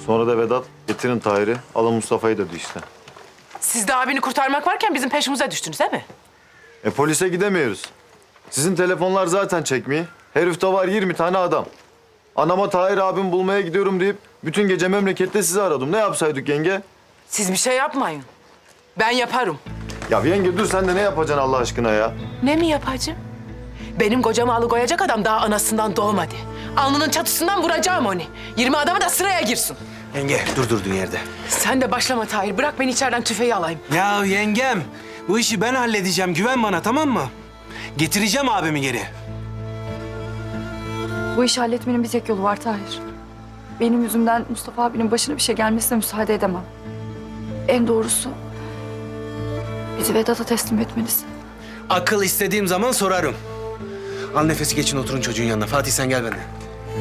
Sonra da Vedat getirin Tahir'i, alın Mustafa'yı dedi işte. Siz de abini kurtarmak varken bizim peşimize düştünüz değil mi? Polise gidemiyoruz. Sizin telefonlar zaten çekmiyor. Herifte var 20 tane adam. Anama Tahir abim bulmaya gidiyorum deyip bütün gece memlekette sizi aradım. Ne yapsaydık yenge? Siz bir şey yapmayın. Ben yaparım. Ya yenge dur sen de ne yapacaksın Allah aşkına ya? Ne mi yapacağım? Benim kocamı alıkoyacak adam daha anasından doğmadı. Alnının çatısından vuracağım onu. 20 adamı da sıraya girsin. Yenge dur durduğun yerde. Sen de başlama Tahir. Bırak beni içeriden tüfeği alayım. Ya yengem bu işi ben halledeceğim. Güven bana tamam mı? Getireceğim abimi geri. Bu işi halletmenin bir tek yolu var Tahir. Benim yüzümden Mustafa abinin başına bir şey gelmesine müsaade edemem. En doğrusu bizi Vedat'a teslim etmelisin. Akıl istediğim zaman sorarım. Al nefesi geçin oturun çocuğun yanına. Fatih sen gel benimle.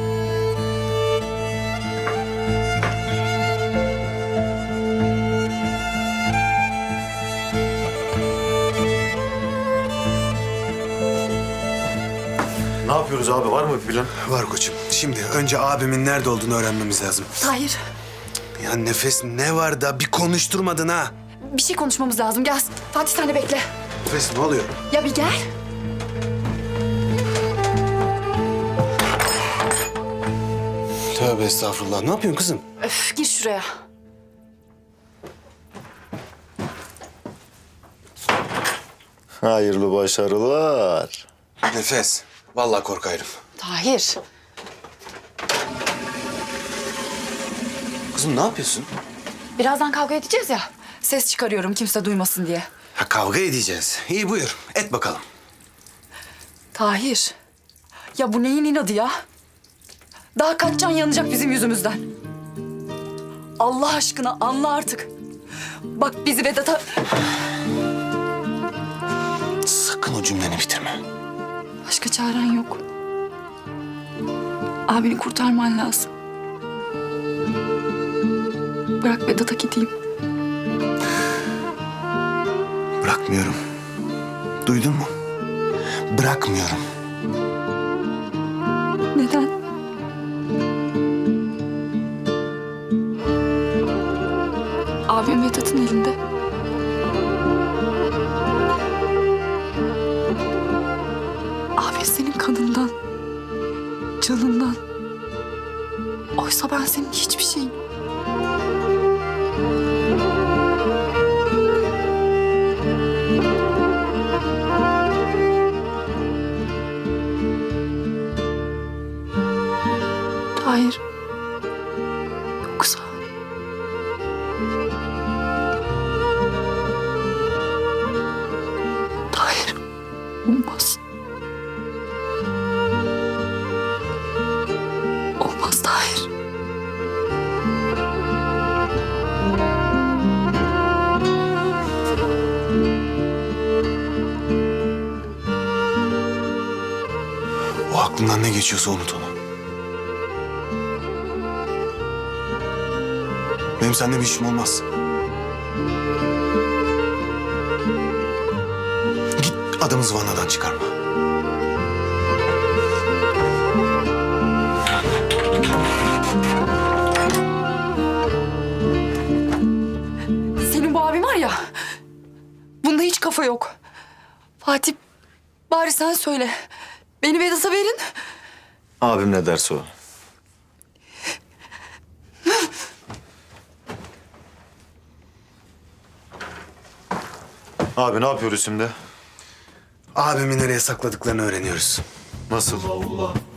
Ne yapıyoruz abi? Var mı bir plan? Var koçum. Şimdi önce abimin nerede olduğunu öğrenmemiz lazım. Tahir, Ya nefes ne var da bir konuşturmadın ha? bir şey konuşmamız lazım. Gel Fatih sen de bekle. Nefes ne oluyor? Ya bir gel. Tövbe estağfurullah. Ne yapıyorsun kızım? Öf, gir şuraya. Hayırlı başarılar. Nefes. Vallahi korkarım. Tahir. Kızım ne yapıyorsun? Birazdan kavga edeceğiz ya. Ses çıkarıyorum kimse duymasın diye. Ha kavga edeceğiz. İyi buyur. Et bakalım. Tahir. Ya bu neyin inadı ya? Daha kaç can yanacak bizim yüzümüzden? Allah aşkına anla artık. Bak bizi Vedat'a... Sakın o cümleni bitirme. Başka çaren yok. Abini kurtarman lazım. Bırak Vedat'a gideyim. Bırakmıyorum. Duydun mu? Bırakmıyorum. Neden? Abim Vedat'ın elinde. Abin senin kanından, canından. Oysa ben senin hiçbir şeyim. Hayır. Yoksa... Hayır. Olmaz. Olmaz Tahir. O aklından ne geçiyorsa unut onu. Benim seninle bir işim olmaz. Git adamı zıvanadan çıkarma. Senin bu abin var ya, bunda hiç kafa yok. Fatih, bari sen söyle. Beni Vedat'a verin. Abim ne derse o. Abi ne yapıyoruz şimdi? Abimi nereye sakladıklarını öğreniyoruz. Nasıl?